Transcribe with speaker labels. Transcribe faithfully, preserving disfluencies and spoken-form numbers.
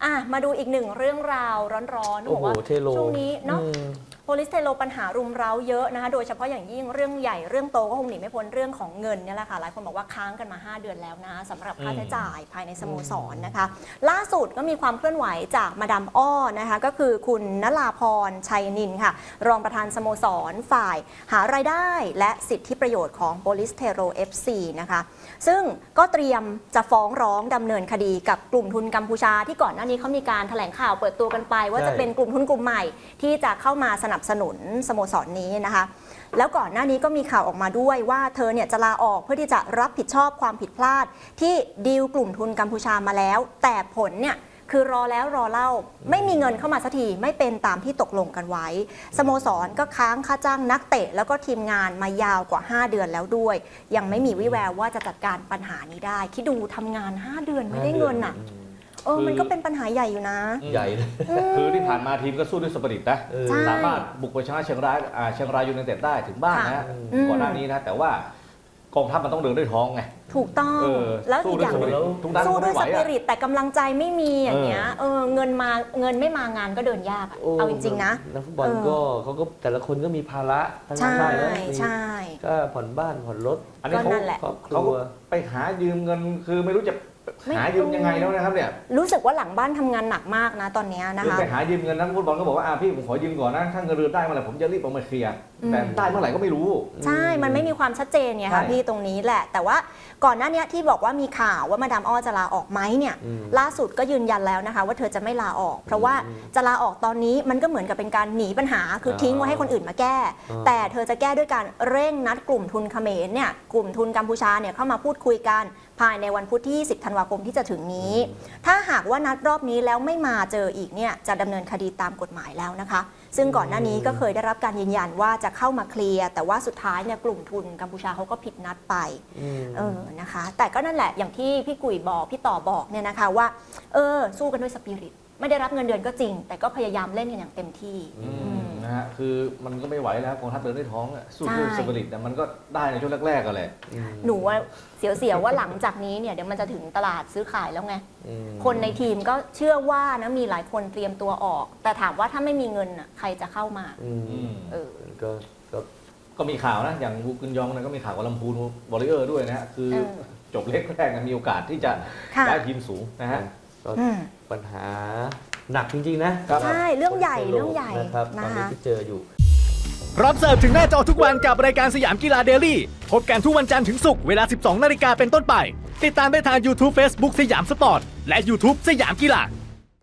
Speaker 1: อ่ะมาดูอีกหนึ่งเรื่องราวร้อนๆบอกว่าช่วงนี้เนาะโพลิสเทโลปัญหารุมเร้าเยอะนะคะโดยเฉพาะอย่างยิ่งเรื่องใหญ่เรื่องโตก็คงหนีไม่พ้นเรื่องของเงินนี่แหละค่ะหลายคนบอกว่าค้างกันมาห้าเดือนแล้วนะสำหรับค่าใช้จ่ายภายในสโมสรนะคะล่าสุดก็มีความเคลื่อนไหวจากมาดามอ้อนะคะก็คือคุณณราพรชัยนินค่ะรองประธานสโมสรฝ่ายหารายได้และสิทธิประโยชน์ของโพลิสเทโล เอฟ ซี นะคะซึ่งก็เตรียมจะฟ้องร้องดำเนินคดีกับกลุ่มทุนกัมพูชาที่ก่อนหน้านี้เขามีการแถลงข่าวเปิดตัวกันไปว่าจะเป็นกลุ่มทุนกลุ่มใหม่ที่จะเข้ามาสนับสนุนสโมสรนี้นะคะแล้วก่อนหน้านี้ก็มีข่าวออกมาด้วยว่าเธอเนี่ยจะลาออกเพื่อที่จะรับผิดชอบความผิดพลาดที่ดีลกลุ่มทุนกัมพูชามาแล้วแต่ผลเนี่ยคือรอแล้วรอเล่าไม่มีเงินเข้ามาสักทีไม่เป็นตามที่ตกลงกันไว้สโมสรก็ค้างค่าจ้างนักเตะแล้วก็ทีมงานมายาวกว่าห้าเดือนแล้วด้วยยังไม่มีวิแววว่าจะจัดการปัญหานี้ได้คิดดูทำงานห้าเดือนไม่ได้เงินอ่ะเออมันก็เป็นปัญหาใหญ่อยู่นะ
Speaker 2: ใหญ่เลยคือที่ผ่านมาทีมก็สู้ด้วยสปิริตนะสามารถบุกไปชนะเชียงรายเชียงรายยูไนเต็ดได้ถึงบ้านนะก่อนหน้านี้นะแต่ว่ากองทัพมันต้องเดินด้วยท้องไง
Speaker 1: ถูกต้องแล้วอีกอย่างสู้ด้วยสปิริตแต่กำลังใจไม่มีอย่างเงี้ยเออเงินมาเงินไม่มางานก็เดินยากเอาจริงๆนะ
Speaker 3: นักฟุตบอลก็เขาก็แต่ละคนก็มีภาระทั้งนั้นเลย
Speaker 1: ใช่
Speaker 3: ก็ผ่อนบ้านผ่อนรถ
Speaker 2: อันนี้เขาเขาไปหายืมเงินคือไม่รู้จะหายืมยังไงแล้วนะครับเนี่ย
Speaker 1: รู้สึกว่าหลังบ้านทำงานหนักมากนะตอนนี้นะคะ
Speaker 2: ไปหายืมเงินนักฟุตบอลก็บอกว่าพี่ผมขอยืมก่อนนะถ้าเงินเดือนได้เมื่อไหร่ผมจะรีบเอามาเคลียร์แต่ได้เมื่อไหร่ก็ไม่รู้
Speaker 1: ใช่มันไม่มีความชัดเจนไงคะพี่ตรงนี้แหละแต่ว่าก่อนหน้านี้ที่บอกว่ามีข่าวว่ามาดามอ้อจะลาออกไหมเนี่ยล่าสุดก็ยืนยันแล้วนะคะว่าเธอจะไม่ลาออกเพราะว่าจะลาออกตอนนี้มันก็เหมือนกับเป็นการหนีปัญหาคือทิ้งไว้ให้คนอื่นมาแก้แต่เธอจะแก้ด้วยการเร่งนัดกลุ่มทุนเขมรเนี่ยกลุ่มทุนกัมพูชาเนี่ยเข้ามาพูดคุยกันภายในวันพุธที่ยี่สิบธันวาคมที่จะถึงนี้ถ้าหากว่านัดรอบนี้แล้วไม่มาเจออีกเนี่ยจะดำเนินคดีตามกฎหมายแล้วนะคะซึ่งก่อนหน้านี้ก็เคยได้รับการยืนยันว่าจะเข้ามาเคลียร์แต่ว่าสุดท้ายเนี่ยกลุ่มทุนกัมพูชาเขาก็ผิดนัดไปเออนะคะแต่ก็นั่นแหละอย่างที่พี่กุ๋ยบอกพี่ต่อบอกเนี่ยนะคะว่าเออสู้กันด้วยสปิริตไม่ได้รับเงินเดือนก็จริงแต่ก็พยายามเล่นกันอย่างเต็มที่
Speaker 2: นะฮะคือมันก็ไม่ไหวแล้วกองทัพเดินด้วยท้องสู้ด้วยสปิริตแต่มันก็ได้ในช่วงแรกๆกันแหละ
Speaker 1: หนูว่าเสียวๆว่าหลังจากนี้เนี่ยเดี๋ยวมันจะถึงตลาดซื้อขายแล้วไงคนในทีมก็เชื่อว่านะมีหลายคนเตรียมตัวออกแต่ถามว่าถ้าไม่มีเงินอ่ะใครจะเข้ามา
Speaker 3: เออก็
Speaker 2: ก็มีข่าวนะอย่างวูกุนยองนะก็มีข่าวกับลำพูนวอริเออร์ด้วยนะฮะคือจบเล็กแรกมีโอกาสที่จะได้ทีมสูงนะฮะ
Speaker 3: ปัญหาหนักจริงๆนะ
Speaker 1: ใช่เรื่องใหญ่เรื่องใหญ่
Speaker 3: นะครับตอนนี้ที่เจออยู่
Speaker 4: พร้อมเสิร์ฟถึงหน้าจอทุกวันกับรายการสยามกีฬาเดลี่พบกันทุกวันจันทร์ถึงศุกร์เวลา สิบสองนาฬิกาเป็นต้นไปติดตามได้ทาง YouTube Facebook สยามสปอร์ตและ YouTube สยามกีฬา